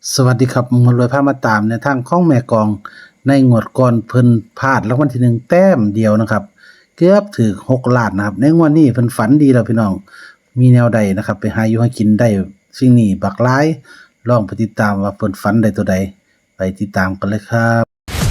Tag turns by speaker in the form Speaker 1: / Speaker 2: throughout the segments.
Speaker 1: สวัสดีครับมารวยพามาตามในทางของแม่กองในงวดก่อนเพิ่นพลาดรางวัลที่1แต้มเดียวนะครับเกือบถึง6ล้านนะครับในงวดนี้เพิ่นฝันดีแล้วพี่น้องมีแนวใดนะครับไปหาอยู่หากินได้สิ่งนี้บักหลายลองไปติดตามว่าเพิ่นฝันได้ตัวใดไปติดตามกันเลยครับ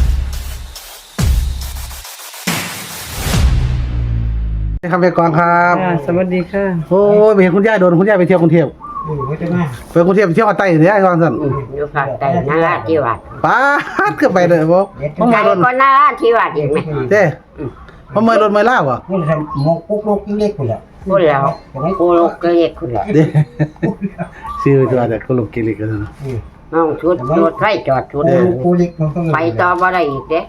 Speaker 1: ครับแม่กองครับ
Speaker 2: สวัสดีค่ะ
Speaker 1: โอ้ยไปเห็นคุณยายโดนคุณยายไปเที่ยวกรุงเทพ
Speaker 3: ไม่ได้มา
Speaker 1: ไปกรุงเทพไปเที่ยวภาคใต้เนี่ยก่อนสั่น
Speaker 4: อยู่ภาคใต้นาราธิวาส
Speaker 1: ป๊าดก็ไปเลยบ่บ่
Speaker 4: ไกล
Speaker 1: มารถ
Speaker 4: กว่านาราธิวาสอีกไหม
Speaker 1: เด้บ่มารถไม่ลาวบ่
Speaker 3: เมื่อทำมกปุ๊กลูกเล็กคนละ
Speaker 4: พูดแล้วกูลูกก็เรียกคุณแหละ
Speaker 1: เด้ชื่อตัวแต่คนลูกกิริกกันนะ
Speaker 4: น้องชุดรถไฟจอดชุด
Speaker 3: กูเล็กมันต้อง
Speaker 4: ไปต่อบ่ได้อีกเด้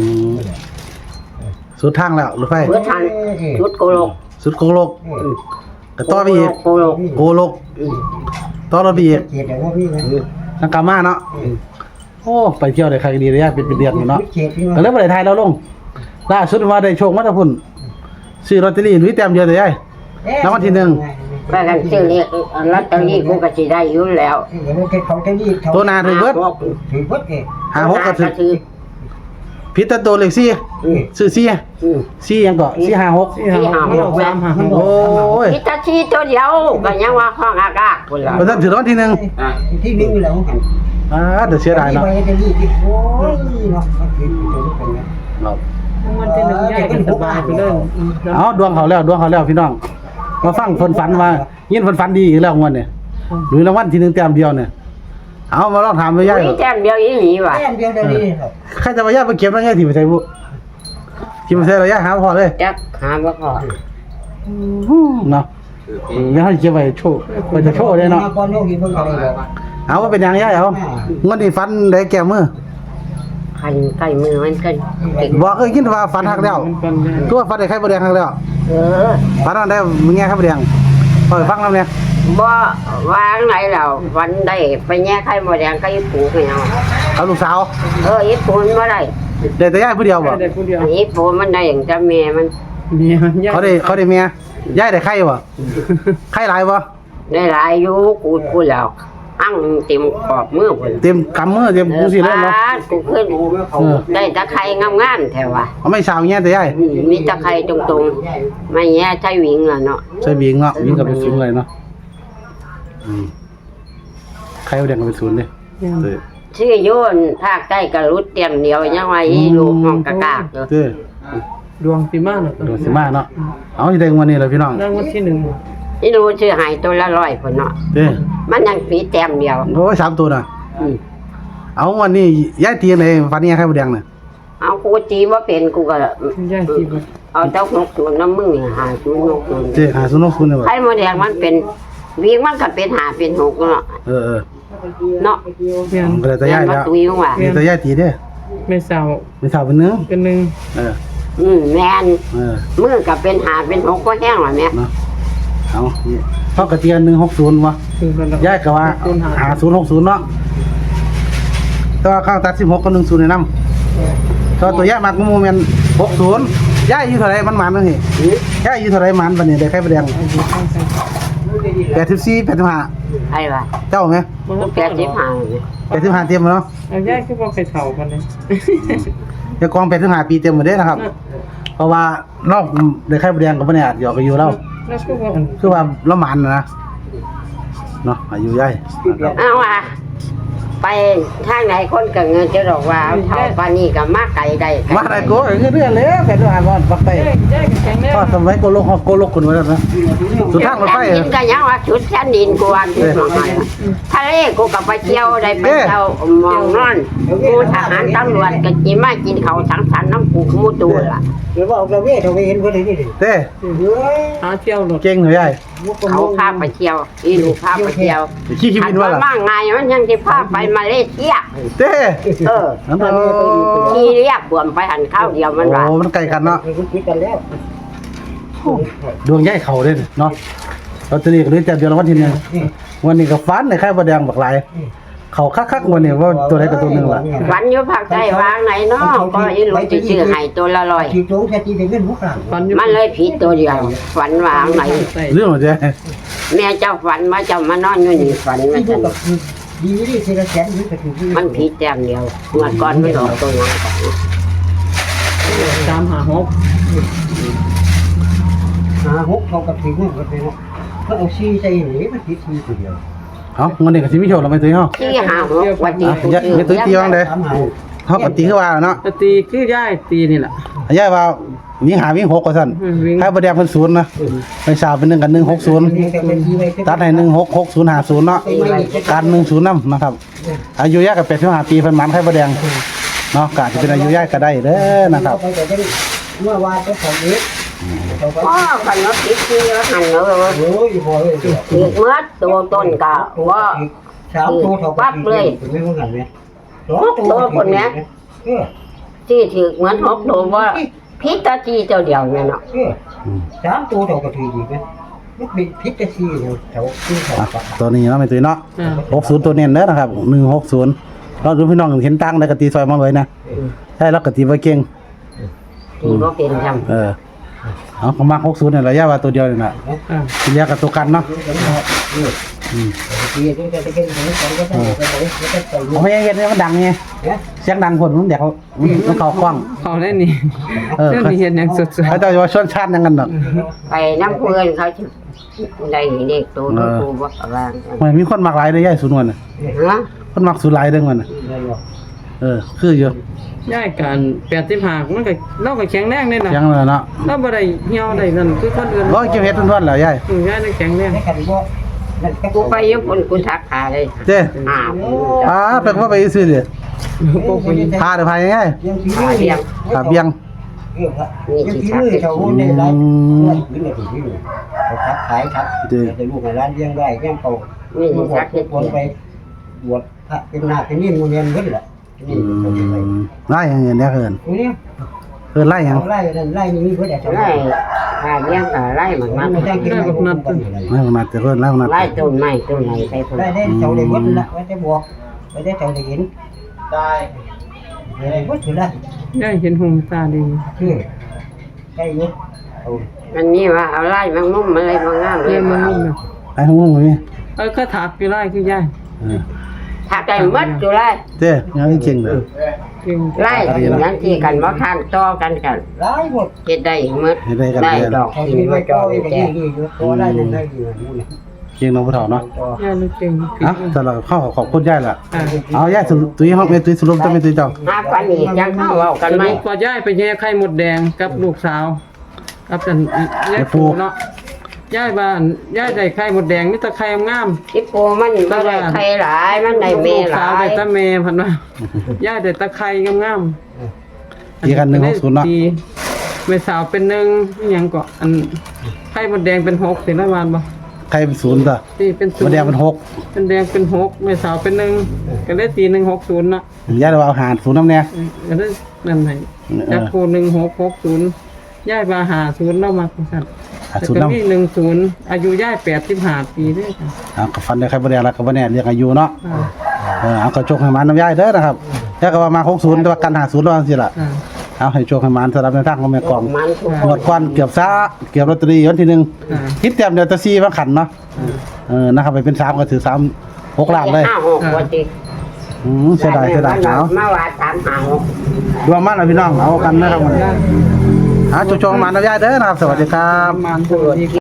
Speaker 1: สุดทางแล้วรถไฟ
Speaker 4: เพื่อทันชุดกูลูก
Speaker 1: สุดโกโลกก็ต่อไปอีก
Speaker 4: กูลูก
Speaker 1: โกโลกต่อรถไปอีก
Speaker 3: เกียรติว่าพี่นะ
Speaker 1: ทางกามาเนาะโอ้ไปเที่ยวได้ใครดีระยะเป็นเดือนอยู่เนาะ
Speaker 3: เกียรติ
Speaker 1: ก็เลยบ่ได้ถ่ายแล้วลงล่าสุดว่าได้โชคมาแตะพุ่นซื้อลอตเตอรี่หนุ่ยแต้มเดียวแต่ยายรางวัลที่1
Speaker 4: ว่ากันซื้อเรียกลอตเตอรี่กูก็สิได้อยู่แล้ว
Speaker 1: ตัวหน้าถึงเบิด
Speaker 3: ถือเบิดเอง
Speaker 1: 56ก็ถึง
Speaker 4: ถือ
Speaker 1: ผิดแต่ตัวเลข4ซื้อ4ยังก็456
Speaker 2: ที่หาหกสามหาหก
Speaker 1: โอ้ย
Speaker 4: พิตาชีตัวเดียวก็ยังว่าห้องอากาศพุ่นล่ะ
Speaker 1: บ่ทันถือรางวัลที่1
Speaker 3: ที่นึงแล้ว
Speaker 1: เดี๋ยวเสียดายเนาะ
Speaker 3: ไปจะรีบโอ้ยเนาะถือตัวนี้เป็นไง
Speaker 2: มันจะหนึ่งใหญ่กันสบายไปเลย
Speaker 1: เอาดวงเขาแล้วพี่น้องมาฟังเพิ่นฝันว่ายินเพิ่นฝันดีอีกแล้วงวดเนี่ยหรือรางวัลที่1แต้มเดียวเนี่ยเอามาลองถามไปย่าย
Speaker 4: มีแต้มเดียวอีหลีว่ะ
Speaker 3: แค่เดียวเดียวนี้ครับ
Speaker 1: ใครจะมาย่ายไปเก็บแล้วย่ายที่ไปใส่บุที่ไปใส่แล้วย่ายหาพอเลย
Speaker 4: จักหาบ่พอ
Speaker 1: เนาะยังให้เก็บไว้โชว์ไว้จะโชว์เลยเนาะ
Speaker 3: ก่อนโยกีเบิ่งอะไรบอก
Speaker 1: เอาว่าเป็นหยังย่ายเอางวดนี้ฝันได้แก้มือ
Speaker 4: คันใกล้มือมันก็ติด
Speaker 1: บอกยินว่าฝันฮักแล้วตัวฝันได้ใครบ่แดงฮักแล้ว
Speaker 4: เออ
Speaker 1: ฝันอันได้มึงแง่ใครบ่แดงพอไปฟังนำเนี่ย
Speaker 4: บ่วางไหนแล้ววันได้ไปแย่ไข่หมดแดงก็อีปูไม่เอา
Speaker 1: เอาลูกสาว
Speaker 4: อีปูมันบ่ได้
Speaker 1: ได้แต่ย่ายผู้เดียวบ่
Speaker 2: ได้คนเดียว
Speaker 4: อีปูมันได้อย่างจะแม่มัน
Speaker 2: มีมันยาก
Speaker 1: เขาได้เมียย่ายได้ไข่บ่ไข่หลายบ่
Speaker 4: ได้หลายอยู่กูแล้วอั้งเต็มขอบมือพุ่น
Speaker 1: เต็มกำมือเต็มกูสิเลยเนาะ
Speaker 4: กูขึ้นได้ตะไคร้งามๆแถวว่ะ
Speaker 1: เอาไม่สาวแง่แต่ย่าย
Speaker 4: มีตะไคร้ตรงๆไม่แย่ใช้หวิงล่ะเนาะ
Speaker 1: ใช่บิงเนาะบิงกับเป็นศูนย์เลยเนาะใครเอาเด็กกับเป็นศูนย์เลย
Speaker 4: ชื่อโยนภาคใต้ก็รุดเตรียมเดียวยังว่าอีลูกห้องกะกากอยู่
Speaker 1: เด้อ
Speaker 2: ดวงสีมาเนาะ
Speaker 1: โดดสิมาเนาะเอาที่ได้วันนี้เลยพี่น้อง
Speaker 2: รางวัลที่หนึ่ง
Speaker 4: อีลูกชื่อหายตัวละ100พุ่นเนาะ
Speaker 1: เด้อ
Speaker 4: มันยังปีแต้มเดียว
Speaker 1: โอ้ย3ตัวน่ะเอาวันนี้ย้ายตีไหนฟันนี้ใครบ่แดงน่ะ
Speaker 4: เอากูจีว่าเป็นกูก็
Speaker 2: ย่างที่
Speaker 4: เอาเจ้า60น้ำมึงนี่หาศูนย์หกศูนย์
Speaker 1: เด้อ5060เนี่ยบ่
Speaker 4: ไข่มดแดงมันเป็นวิ่งมันก็เป็นหาเป็น6เนาะ
Speaker 1: เออ
Speaker 4: เนาะ
Speaker 2: เมียน
Speaker 1: ก็เลยแต่ย้ายแล้ว
Speaker 4: ตุยว่า
Speaker 1: มีแต่ย้ายตีเด้อ
Speaker 2: ไม่สาว
Speaker 1: ไม่สาวเป็นเนื้อ
Speaker 2: เป็นหนึ่ง
Speaker 1: เออ
Speaker 4: แม่น
Speaker 1: เออ
Speaker 4: มือก็เป็นหาเป็น6ก็แห้งล่ะแม่
Speaker 1: เนาะเอาเฮากระเทียน160วะ
Speaker 2: คือกันแล้ว
Speaker 1: ย้ายก็ว่า5060เนาะแต่ว่าข้างตัด16กับ10ในนำตัวย้ายมักโมเมนต์60ย้ายอยู่เท่าไหร่มันหมานเนาะนี่ย้ายอยู่เท่าไหร่หมานบัดนี้ได้ใครบ่แดง84 85
Speaker 4: ไอ้ว่า
Speaker 1: เจ้าไหม
Speaker 4: มันแปดสิบห้า
Speaker 1: 85เต็มเนาะ
Speaker 2: เอาย่างคือว่าใครเฒ่ากันเลย
Speaker 1: เจ้ากอง85ปีเต็มหมดเด้นะครับ เพราะว่านอกได้ไข่บ่แดงก็บ่ได้อาจหยอกกันอยู่แล้ว
Speaker 2: แล้วคือว่า
Speaker 1: คือว่าละหมานนะเนาะอายุใหญ่นะครับ
Speaker 4: เอาว่าไปทางไหนคนก็เงินจะบอกว่าเท่าปานนี้ก็มาไกลได้
Speaker 1: มาได้โกคือเรื่องเลยแผ่นอ่านว่าปักไป
Speaker 2: ย่างแข็งแรง
Speaker 1: ก็สมัยโกโลกโกโลกคนไว้แล้วนะสุดทางรถไฟ
Speaker 4: ดินก็ยังว่าชุดแผ่นดินกูว่าชุดของมันทะเลกูก็ไปเที่ยวได้ไปเที่ยวมองนอนกูทหารตำรวจก็กินมากินเขาสังสรรค์น้ำกูขมูตัวล่ะ
Speaker 3: หรือว่าเอาเวทเอาไปเห็นคนนี้ดิ
Speaker 1: เต้
Speaker 2: หาเที่ยวรถ
Speaker 1: เก่งเหรอใหญ่
Speaker 4: เขาพาไปเที่ยวอีลูกพาไปเที่ยว
Speaker 1: ขี้ขี้
Speaker 4: อั
Speaker 1: บิ
Speaker 4: น
Speaker 1: นว่า
Speaker 4: ว่า
Speaker 1: ล่ะ
Speaker 4: มากไงมันยังจะพาไปมาเลเซีย
Speaker 1: เต้
Speaker 4: เออ
Speaker 1: นั่นโอ้
Speaker 4: ขี่เรียกบวมไปหันข้าวเดียวมันว่า
Speaker 1: มันไกลกันเนาะ
Speaker 3: คุณคิดกันแล้ว
Speaker 1: ดวงใหญ่เขาเด้เนาะลอตเตอรี่ก็เลยจับเดือนละวันที่1วันนี้ก็ฟันในไข่บ่แดงบักหลายเขาคักๆวันนี้ว่าตัวใดกับตัวหนึงล่ะ
Speaker 4: วันอยู่ภาคใต้วางไหนเนาะก็อีลูกจะซื้อให้ตัวละร้อย
Speaker 3: ที่โจ้แค่ที่ได้เงินมุกหลัง
Speaker 2: ฟันอยู่
Speaker 4: มันเลยผิดตัวเดียวฝันวางไหน
Speaker 1: เรื่องของเจ๊
Speaker 4: แม่เจ้าฝันว่าเจ้ามานอนอยู่นี่ฝันว่า
Speaker 3: ที่
Speaker 4: จั
Speaker 3: ดู
Speaker 4: น
Speaker 3: กับดีดีสิละแสนนี่ก็ถือดี
Speaker 4: มันผิดแต้มเดียวเมื่อก่อนไม่ออกตัวนั้นก่อน
Speaker 2: 356
Speaker 3: 6เขาก็ถือเงินกันไปเนาะก็เอาซีใส่หนีมันผิดทีตัวเดียว
Speaker 1: เอ้าวันนี้ก็สิมีโชคเราไปตุ้ยเฮา
Speaker 4: ที่หาหกวันที่กู
Speaker 1: ไม่ตุ้ยตีว่างเด้
Speaker 3: 3
Speaker 1: เฮาก็ตีคือว่าเนาะ
Speaker 2: ปกติคือยายตีนี่ล่ะ
Speaker 1: ยายว่ามีหาวิ่ง6ว่าซั่น
Speaker 2: วิ่ง
Speaker 1: ให้บ่แดงเพิ่น0นะไปสาวเป็น1กับ160ตัดให้166050เนาะการ10นำนะครับ อายุยายก็85ปีเพิ่นหมันไข่บ่แดงเนาะก็อาจจะเป็นอายุยายก็ได้เด้อนะครับ
Speaker 3: เมื่อวานก็ของนี้
Speaker 4: พ่อกันเนาะผิดที่แล้วหันเนาะ
Speaker 3: โอ้ยพอเลย
Speaker 4: อีกเมื่อตัวต้นก็ว่า
Speaker 3: 3ตัวเท่ากับไม่เหมือนกันเนี่ย
Speaker 4: ที่ถือเหมือนหกตัวว่าพิษตาจีเจ้าเดียวเนี่ยเนาะ
Speaker 3: 3ตัวเท่ากับถือดีมั้ยมันเป็นพิษซีเนี่ยแถวที่เขา
Speaker 1: อ่ะตัวนี้เนาะไม่ตุ้ยเนาะ
Speaker 2: อ่า
Speaker 1: 60ตัวเน้นเด้อนะครับ160เราดูพี่น้องเห็นตังได้ก็ตีซอยมาเลยนะใช่แล้วก็ตีบ่เก่ง
Speaker 4: ที่บ่เป็นจำ
Speaker 1: เอาผมมา60เนี่ยระยะว่าตัวเดียวนี่น่ะ
Speaker 2: อ่า
Speaker 1: ที่เหลือก็ตัวกันเนาะ ผมไม่เห็นเนี่ยมันดังไงเสียงดังคนมันเด็กมันเข้ากล้อง
Speaker 2: เขาได้นี่เรื่องนี้เห็นอย่างสุด
Speaker 1: เขาจะว่าชวนชาติยังกันเนาะ
Speaker 4: ไปน้ำเพื่อนเขาจะได้เด็กตัวน้ำปูบ่วาง
Speaker 1: มันมีคนมักหลายเลยย่ายสุนวนน่ะ
Speaker 4: ฮะ
Speaker 1: คนมักสุหลายเด้งมันน่ะคืออยู่
Speaker 2: ๆยายการ85มันก็เราก็แข็งแรงนี่น่ะ
Speaker 1: เสียงเลยเนาะ
Speaker 2: เราบ่ได้เหี่ยวได้นั่นคือคนอื่น
Speaker 1: ร้อยเก็บเฮ็ดทุนๆแล้วย่าย
Speaker 2: ยายได้แข็งแรง
Speaker 4: กูไปยุคนกูทักหาเลย
Speaker 1: เจ้
Speaker 4: อ่า
Speaker 1: ไปว่าไปซื้อดิ
Speaker 2: พวกไป
Speaker 1: พาเดี๋ยวพายังไง พาเบียง
Speaker 3: ยังที่มือเขาได้ร้านพื้นเลยที่มือเขาทักขายครับแต่ลูกในร้านเลี้ยงได้แก้มเขา
Speaker 4: นี่
Speaker 3: บว
Speaker 4: ทั
Speaker 3: ช
Speaker 4: กเด็ก
Speaker 3: คนไปบวชพระเป็นนาเป็นนี่มูเนียนขึ้นแหละนี่เขาจะไป
Speaker 1: ไล่ยังไงเนี่ยเอิน
Speaker 3: ตรงนี้
Speaker 1: ไล่ยัง
Speaker 3: เขาไล่นั่นไล่นี่เพื่อจะทำ
Speaker 4: ไล่หาเลี้ยงก็ไล่มันมา
Speaker 3: ไม่ได้กินไม่ได้นัด
Speaker 1: ไล่มาแต่เพิ่นไล่มา
Speaker 4: ไล่ต้นไม้ต้นไหนไปพุ่น
Speaker 3: ได้เจ้าได้วัดละไว้ได้บวกไว้ได้เจ้าได้เห็นได้ได้วัดถือได้
Speaker 2: ยายเห็นหงตาดี
Speaker 3: คือได้ยุดเอา
Speaker 4: มันนี่ว่าเอาไล่มันมุ่มอะไรมางามเล
Speaker 2: เรีย
Speaker 4: ย
Speaker 2: นมันนุ่มนะ
Speaker 1: ไอ้ทั้งวงเลย
Speaker 2: ก็ถักอยู่ไล่คือยาย
Speaker 4: ถ้าได้มัดอยู่ไล่
Speaker 1: เจ้ยังเก่งเลย
Speaker 2: เก่ง
Speaker 4: ไล่อย่างที่กันบ่ทานต่อกันกัน
Speaker 3: ได้หมด
Speaker 4: เฮ็ดได้หมดได้ดอก
Speaker 3: เขา
Speaker 4: กิน
Speaker 3: คิด
Speaker 4: บ่
Speaker 3: ว่า
Speaker 4: จ
Speaker 3: จ่
Speaker 4: อ
Speaker 3: อย
Speaker 4: แก่
Speaker 3: นี่ตัวได้นั่นได้ดีนะนี่
Speaker 1: เก่งน้องผู้เฒ่าเนาะ
Speaker 2: ยายรู้เก่ง
Speaker 1: อ่ะสำหรับข้าวขอบคุณย่ายล่ะ
Speaker 2: อ่า
Speaker 1: เอาย่ายตุ้ยห้องตุ้ยสรุปต้องเป็นตุ้ยเจ้า
Speaker 4: หาปันอีกยังเข้าเว้ากันไหม
Speaker 2: พอยายไปแย่ไข่มดแดงกับลูกสาวกับจันยายปูเนาะยายบ้านยายได้ไข่มดแดงมีแต่ไข่งาม
Speaker 4: ที่โปมันบ่ได้ใครหลายมันได้แม่
Speaker 2: ลูก
Speaker 4: ห
Speaker 2: สาว
Speaker 4: ลา
Speaker 2: ได้
Speaker 4: ย
Speaker 2: ตาแม่พันว่ายายได้ตะไคร่งาม
Speaker 1: ตีกัน160เนาะ
Speaker 2: ดีแม่สาวเป็น1อีหยังก็อันไข่มดแดงเป็น6สิละวานบ่
Speaker 1: ใครเป็น0ต่อ
Speaker 2: ที่เป็น
Speaker 1: บ่แดงเป็น
Speaker 2: เป็นแดงเป็น6แม่สาวเป็น1ก็ได้ตี160เนาะ
Speaker 1: 6ย่ายว่าเอาหาร0นำแน่
Speaker 2: ก็ได้นั่นให้จักโค1660ยายว่า50แล้วมาซั่น
Speaker 1: 0
Speaker 2: แล้ว
Speaker 1: นำ
Speaker 2: ก็มี10อายุยาย85ปีเด้อค่ะ
Speaker 1: ก็ฟันได้ใครบ่แดงแล้วก็บ่แน่เรียกอายุเนาะ
Speaker 2: อ่า
Speaker 1: เอาก็โชคให้มันน้ำย่ายเด้อนะครับแล้วก็ว่ามา60แต่ว่ากัน50แล้วจังซี่ล่ะ
Speaker 2: อ่า
Speaker 1: เอาให้โชคให้มันสำหรับในทางของแม่กอง
Speaker 4: มันทุก
Speaker 1: หมดควันเกือบลอตเตอรี่วันที่
Speaker 2: อ่า
Speaker 1: 1คิดเต็มเดียวจะ4มาขันเนาะนะครับไปเป็น3ก็ถือ3 6ล้านเลย
Speaker 4: 5-6ว่าติ
Speaker 1: เสียดายเอา
Speaker 4: มาว่า3-5-6
Speaker 1: รวมมันนะพี่น้องเอากันนะครับมันโชคๆให้มันน้ำย่ายเด้อนะครับสวัสดีครับ
Speaker 2: ประมาณ